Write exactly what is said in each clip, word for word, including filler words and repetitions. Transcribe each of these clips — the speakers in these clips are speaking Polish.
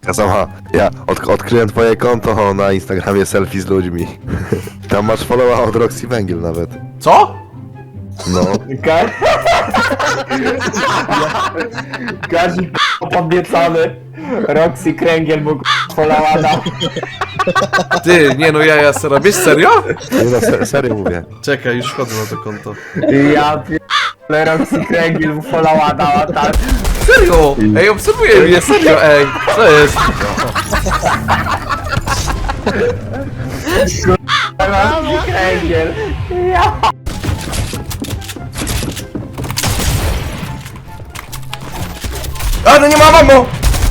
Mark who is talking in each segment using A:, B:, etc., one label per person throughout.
A: Sama, ja od, odkryłem twoje konto na Instagramie selfie z ludźmi. Tam masz followa od Roxy Węgiel nawet.
B: Co?
A: No.
C: Ka- Kazik podniecony. Roxy Kręgiel mógł polałada.
B: Ty, nie no ja, ja se robisz serio?
A: Nie no, se, serio mówię.
B: Czekaj, już wchodzę na to konto.
C: Ja pierdolę, Roxy Kręgiel mu polałada, a tak.
B: Serio? Ej, obserwuję mnie, serio, ej. Co jest?
C: Roxy Kręgiel. Ja.
B: A, no nie ma mamo!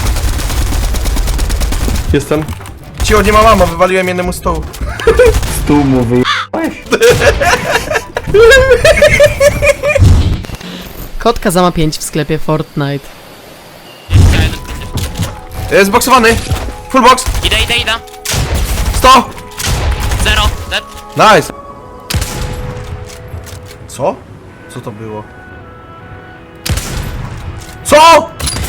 B: Jestem. Cicho, nie ma mamo, wywaliłem jednemu stołu.
C: Tu mu wyjebałeś?
D: Kod Kazama pięć w sklepie Fortnite.
B: Jest boksowany. Full box.
E: Idę, idę, idę.
B: sto.
E: Zero, dead.
B: Nice. Co? Co to było? Co?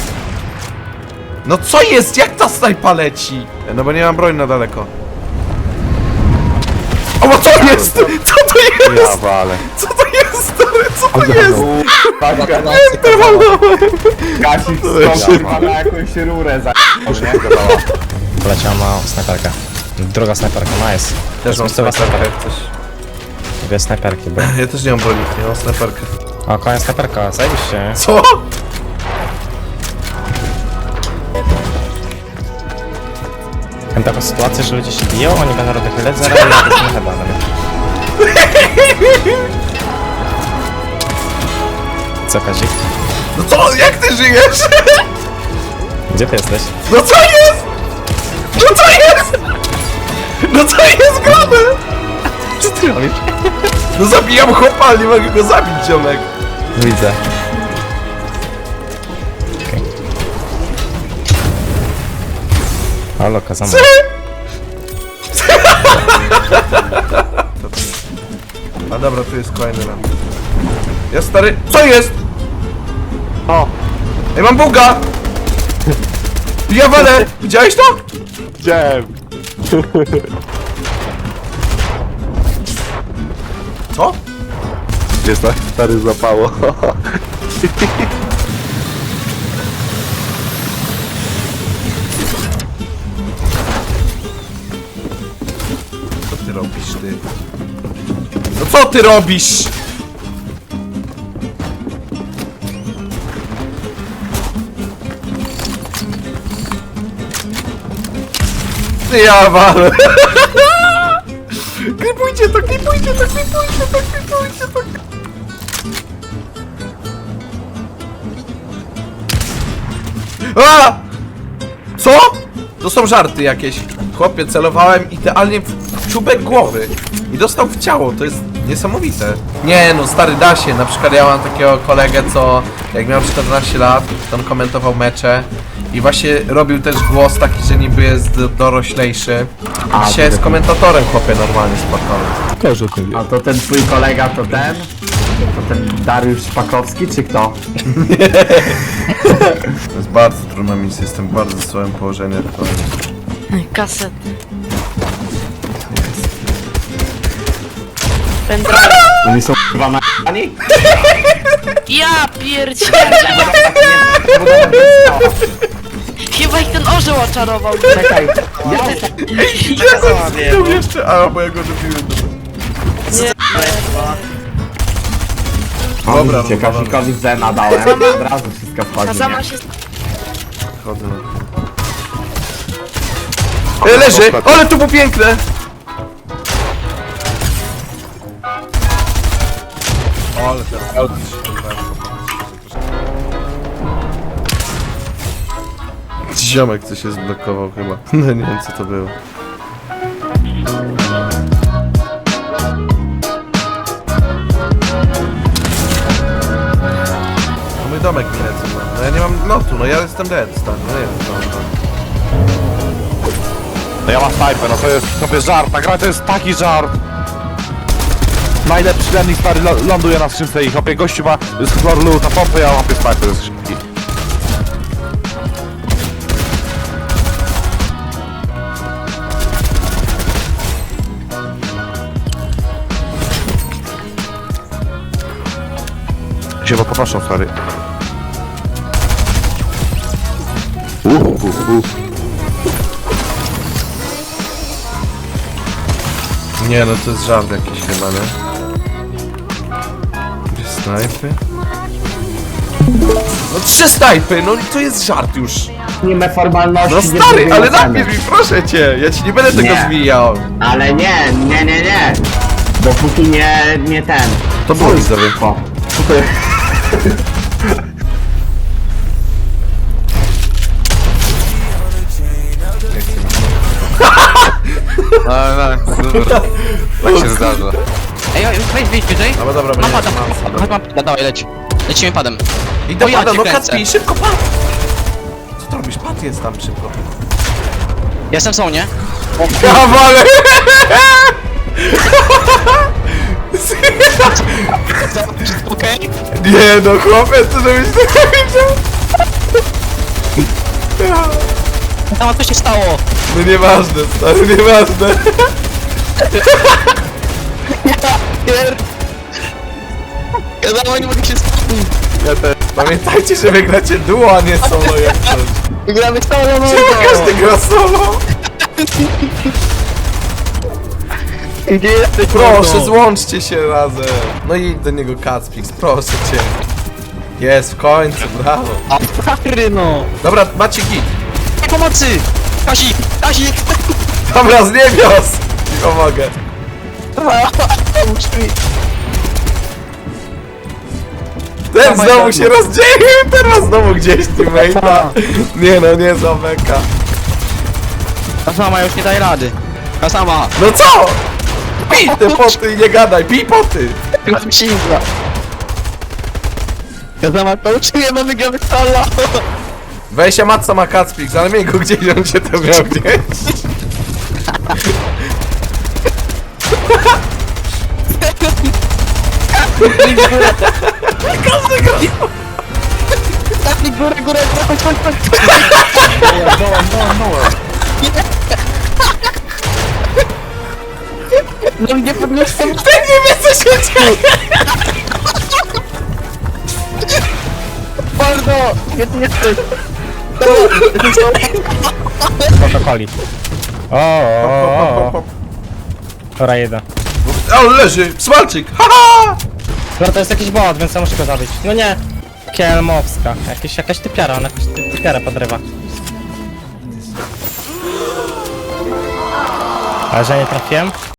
B: No co jest? Jak ta snajpa leci? No bo nie mam broni na daleko. O, bo to jest! Co to
A: Ja
B: jest?
A: wale.
B: Co to jest? stary? Co to jest?
C: Kasik skąd na jakąś rurę za...
F: Poleciała ma snajperkę. Druga snajperka, nice.
B: Też mam
F: Miejscowa
B: snajperkę
F: snajperka.
B: jak coś.
F: Dwie snajperki, bo...
B: Ja też nie mam broni, nie mam snajperkę.
F: O, kolejna snajperka, zajebiście.
B: Co?
F: Mam taką sytuację, że ludzie się biją, oni będą robić ledzera i ja to nie chyba Co, Kazik?
B: No co? Jak ty żyjesz?
F: Gdzie ty jesteś?
B: No co jest? No co jest? No co jest grane?
F: Co ty robisz?
B: No zabijam chłopa, ale nie mogę go zabić, ziomek.
F: Widzę. Okej. Halo, Kazama.
B: A dobra, tu jest kolejny ram. Ja stary... Co jest?
C: O.
B: Ej, mam buga! Ja walę! Widziałeś to?
A: Widziałem.
B: Co?
A: Gdzieś tak stary złapało.
B: Co ty robisz, ty? No co ty robisz? Ty ja walę! Klipujcie to, klipujcie to, klipujcie to, klipujcie to! A! Co? To są żarty jakieś. Chłopie, celowałem idealnie w czubek głowy i dostał w ciało, to jest niesamowite. Nie no, stary, da się. Na przykład ja mam takiego kolegę, co jak miał czternaście lat, to on komentował mecze i właśnie robił też głos taki, że niby jest do- doroślejszy. I dzisiaj jest komentatorem, chłopie, normalnie spokojnie.
C: A to ten twój kolega to ten? To ten Dariusz Szpakowski czy kto?
B: To jest bardzo trudna misja, jestem w bardzo słabym położeniu.
E: Kaset. Pendrive.
C: Oni są chyba na ani?
E: Ja pierdzielę. Chyba ich ten orzeł oczarował.
C: Czekaj, ja
B: Ja jeszcze, a bo ja go dobiłem.
C: O,
B: Dobra,
C: widzicie,
B: no,
C: Kasikowi Zena dałem. Od razu wszystko wchodzi.
E: Kazama
C: nie?
E: się...
B: Chodzę na... E, leży! Ale to było piękne! Ale teraz... Ziomek coś się zblokował chyba. No nie wiem co to było. No mój domek mi lecą, no. No ja nie mam lotu, no ja jestem dead, stary, no nie wiem co mam robić.
A: No ja mam snajpę, no to jest sobie żart. Ta gra to jest taki żart. Najlepszy lennik stary lo- ląduje na skrzynce i hopie gościu ma z floor loot na pompę, ja łapię snajpę ze skrzynki. Przepraszam, stary. Uh, uh, uh.
B: Nie no, to jest żart jakiś chyba, nie? Gdzie snajpy? No trzy snajpy, no to jest żart już.
C: Nie ma formalności.
B: No
C: nie
B: stary,
C: zrobimy
B: ale
C: oceny.
B: napisz mi, proszę cię, ja ci nie będę tego
C: Nie.
B: zwijał.
C: Ale nie, nie, nie, nie. Bo póki nie, nie ten.
B: To było widzowie.
C: O.
A: No, no, dobra. Tak się zdarza.
G: Ej, oj, wejdź, wejdź wyżej.
B: Dobra, dobra,
G: Mam
B: będzie
G: pada,
B: mam,
G: chodź, mam, dawaj, leć. Lecimy padem.
B: I do
G: O, ja
B: pada,
G: cię
B: no
G: kręcę.
B: Kacpi, szybko pad! Co ty robisz? Pad jest tam szybko.
G: Jestem są, nie?
B: Kawale!
G: Okej.
B: Nie no, chłopiec, co żebyś tego widział?
G: Tam co się stało?
B: No nieważne, stary, nieważne.
G: Pier... Ja dawaj, nie mogę się skupić.
B: Ja też. Pamiętajcie, że wygracie duo, a nie solo jak coś.
G: Wygramy solo, no.
B: Czemu każdy gra solo?
G: Gdzie jesteś?
B: Proszę, złączcie się razem. No i do niego Kacpix, proszę cię. Jest, w końcu, brawo.
G: A stary, no.
B: Dobra, macie git.
G: Pomocy! Kasik, Kasik!
B: Dobra, z niebios! I pomogę.
G: Pomóż mi.
B: Ten znowu się rozdzielił, teraz znowu gdzieś teammate'a. Nie no, nie za beka.
G: Ta sama już nie daje rady. Ta sama.
B: No co? Pij te poty i nie gadaj, pij poty!
G: Chyba mi się izra. Ja sama to uczyłem, no wygramy solo.
B: Weź Matsa ma Kacpix, ale miej go gdzieś, on się to miał gdzieś. Każdy gra.
G: Tapnij górę, górę, chodź, chodź, chodź.
C: Dołem, dołem, dołem.
G: No nie podniosę.
B: Ten nie wie co się dzieje!
G: Bardzo! Gdzie ty jesteś?
F: Protokoli. O, o, o, o. Dobra, jeden.
B: O, leży! Smalczyk! Haha!
F: Dobra, to jest jakiś bot, więc ja muszę go zabić. No nie. Kielmowska. Jakiś, jakaś typiara, on jakąś ty, typiarę podrywa. Ale że nie trafiłem?